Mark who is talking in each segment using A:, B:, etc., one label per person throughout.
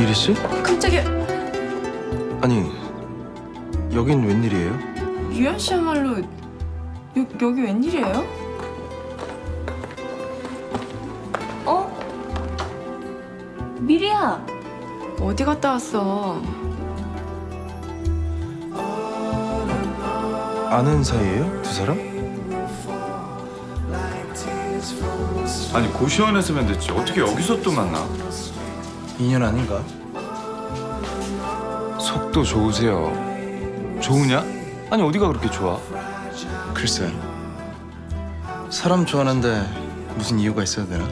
A: 미리 씨?
B: 깜짝이야.
A: 아니, 여긴 웬일이에요?
B: 유연 씨야말로 여기 웬일이에요?
C: 어? 미리야.
B: 어디 갔다 왔어?
A: 아는 사이예요? 두 사람?
D: 아니 고시원에서면 됐지 어떻게 여기서 또 만나?
A: 인연 아닌가?
D: 속도 좋으세요. 좋으냐? 아니 어디가 그렇게 좋아?
A: 글쎄, 사람 좋아하는데 무슨 이유가 있어야 되나?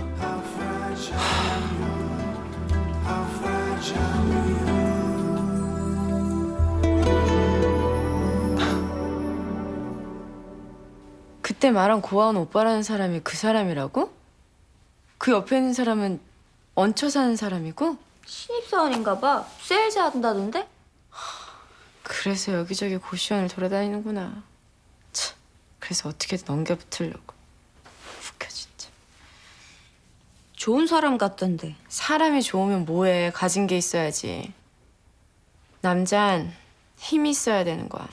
B: 그때 말한 고아원 오빠라는 사람이 그 사람이라고? 그 옆에 있는 사람은 얹혀 사는 사람이고?
C: 신입사원인가 봐. 세일즈 한다던데?
B: 그래서 여기저기 고시원을 돌아다니는구나. 참, 그래서 어떻게든 넘겨붙으려고. 웃겨 진짜.
C: 좋은 사람 같던데.
B: 사람이 좋으면 뭐해. 가진 게 있어야지. 남잔 힘이 있어야 되는 거야.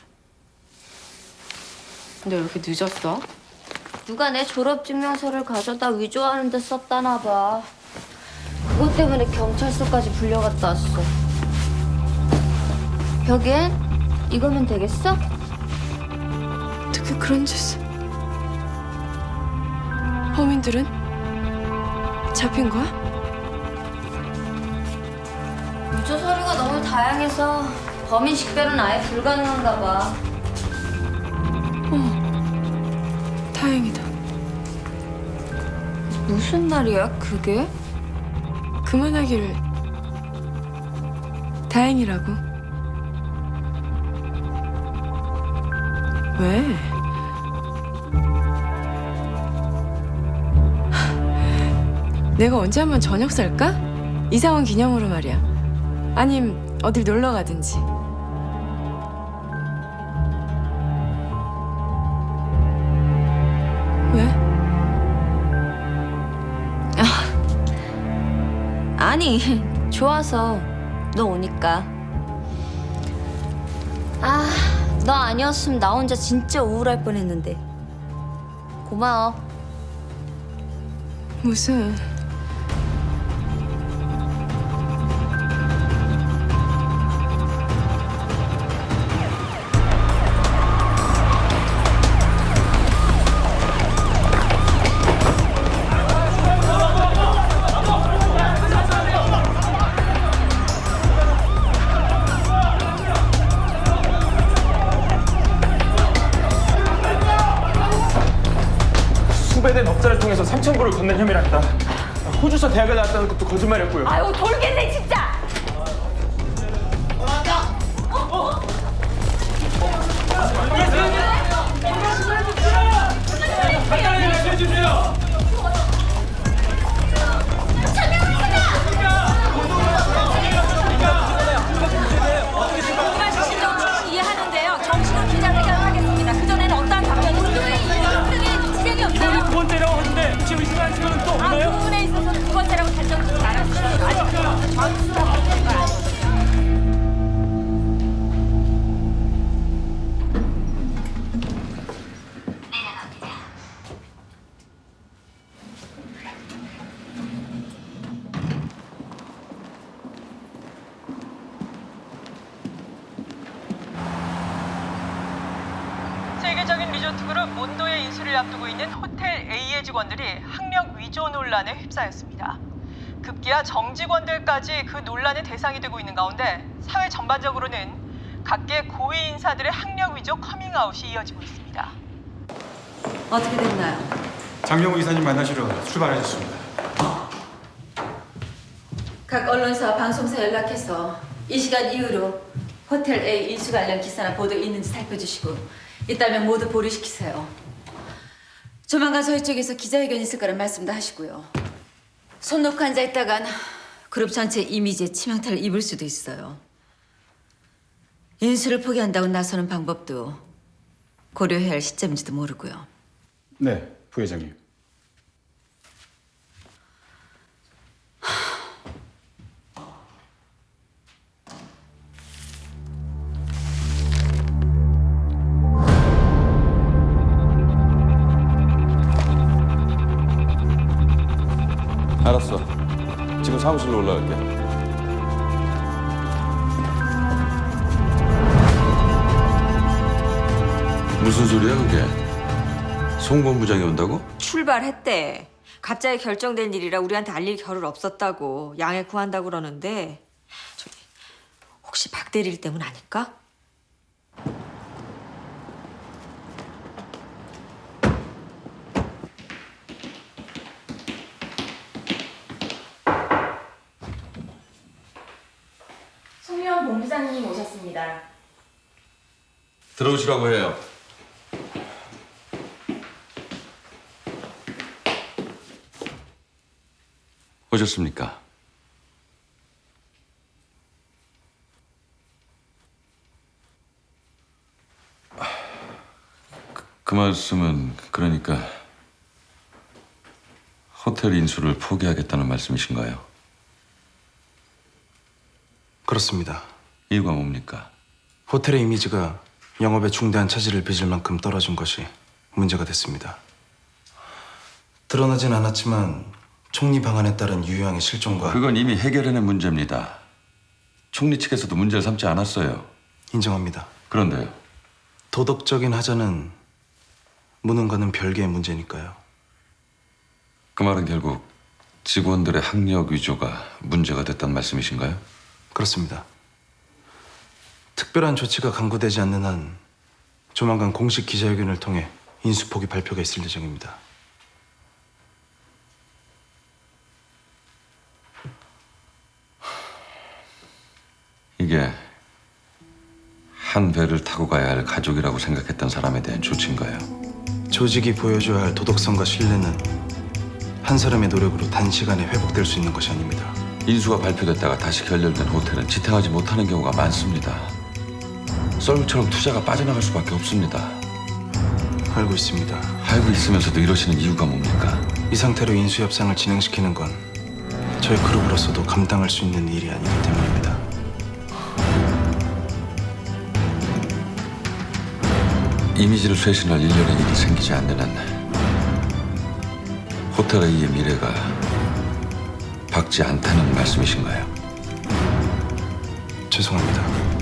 B: 근데 왜 이렇게 늦었어?
C: 누가 내 졸업증명서를 가져다 위조하는 데 썼다나 봐. 그것 때문에 경찰서까지 불려갔다 왔어. 벽엔 이거면 되겠어?
B: 어떻게 그런 짓을? 범인들은 잡힌 거야?
C: 위조 서류가 너무 다양해서 범인 식별은 아예 불가능한가 봐.
B: 다행이다.
C: 무슨 말이야, 그게?
B: 그만하기를 다행이라고. 왜? 내가 언제 한번 저녁 살까? 이사원 기념으로 말이야. 아님 어딜 놀러 가든지. 왜?
C: 아니, 좋아서 너 오니까. 아, 너 아니었으면 나 혼자 진짜 우울할 뻔했는데. 고마워.
B: 무슨?
E: 후배된 업자를 통해서 3,000불을 건넨 혐의랍니다. 호주서 대학을 나왔다는 것도 거짓말이었고요.
C: 아유, 돌겠네, 진짜!
F: 이해하는데요. 정식으로 기자회견을 하겠습니다. 그전에는 어떠한 답변이 등등의 지적이 없나요?
E: 두 번째라고 하는데 지금 이 시간 지금 또
F: 그
E: 없나요?
F: 부분에 있어서 두 번째라고 결정짓지 말아주십시오. 아직 전수가 없는 걸 아시죠?
G: 세계적인 리조트 그룹 몬도의 인수를 앞두고 있는 호텔 A의 직원들이 학력 위조 논란에 휩싸였습니다. 급기야 정직원들까지 그 논란의 대상이 되고 있는 가운데 사회 전반적으로는 각계 고위 인사들의 학력 위조 커밍아웃이 이어지고 있습니다.
H: 어떻게 됐나요?
D: 장명우 이사님 만나시러 출발하셨습니다.
H: 각 언론사와 방송사 연락해서 이 시간 이후로 호텔 A 인수 관련 기사나 보도 있는지 살펴주시고 있다면 모두 보류시키세요. 조만간 저희 쪽에서 기자회견 있을 거란 말씀도 하시고요. 손 놓고 앉아있다간 그룹 전체 이미지에 치명타를 입을 수도 있어요. 인수를 포기한다고 나서는 방법도 고려해야 할 시점인지도 모르고요.
D: 네, 부회장님. 알았어. 지금 사무실로 올라갈게. 무슨 소리야 그게? 송 본부장이 온다고?
F: 출발했대. 갑자기 결정된 일이라 우리한테 알릴 겨를 없었다고 양해 구한다고 그러는데 저기 혹시 박 대리일 때문 아닐까?
B: 송유원 본부장님 오셨습니다.
D: 들어오시라고 해요. 오셨습니까? 그 말씀은 그러니까 호텔 인수를 포기하겠다는 말씀이신가요?
A: 그렇습니다.
D: 이유가 뭡니까?
A: 호텔의 이미지가 영업에 중대한 차질을 빚을 만큼 떨어진 것이 문제가 됐습니다. 드러나진 않았지만 총리 방안에 따른 유효항의 실종과
D: 그건 이미 해결해낸 문제입니다. 총리 측에서도 문제를 삼지 않았어요.
A: 인정합니다.
D: 그런데요.
A: 도덕적인 하자는 무능과는 별개의 문제니까요.
D: 그 말은 결국 직원들의 학력 위조가 문제가 됐단 말씀이신가요?
A: 그렇습니다. 특별한 조치가 강구되지 않는 한 조만간 공식 기자회견을 통해 인수포기 발표가 있을 예정입니다.
D: 이게 한 배를 타고 가야 할 가족이라고 생각했던 사람에 대한 조치인가요?
A: 조직이 보여줘야 할 도덕성과 신뢰는 한 사람의 노력으로 단시간에 회복될 수 있는 것이 아닙니다.
D: 인수가 발표됐다가 다시 결렬된 호텔은 지탱하지 못하는 경우가 많습니다. 썰물처럼 투자가 빠져나갈 수밖에 없습니다.
A: 알고 있습니다.
D: 알고 있으면서도 이러시는 이유가 뭡니까?
A: 이 상태로 인수 협상을 진행시키는 건 저희 그룹으로서도 감당할 수 있는 일이 아니기 때문입니다.
D: 이미지를 쇄신할 일련의 일이 생기지 않는 한 호텔 A의 미래가 밝지 않다는 말씀이신가요?
A: 죄송합니다.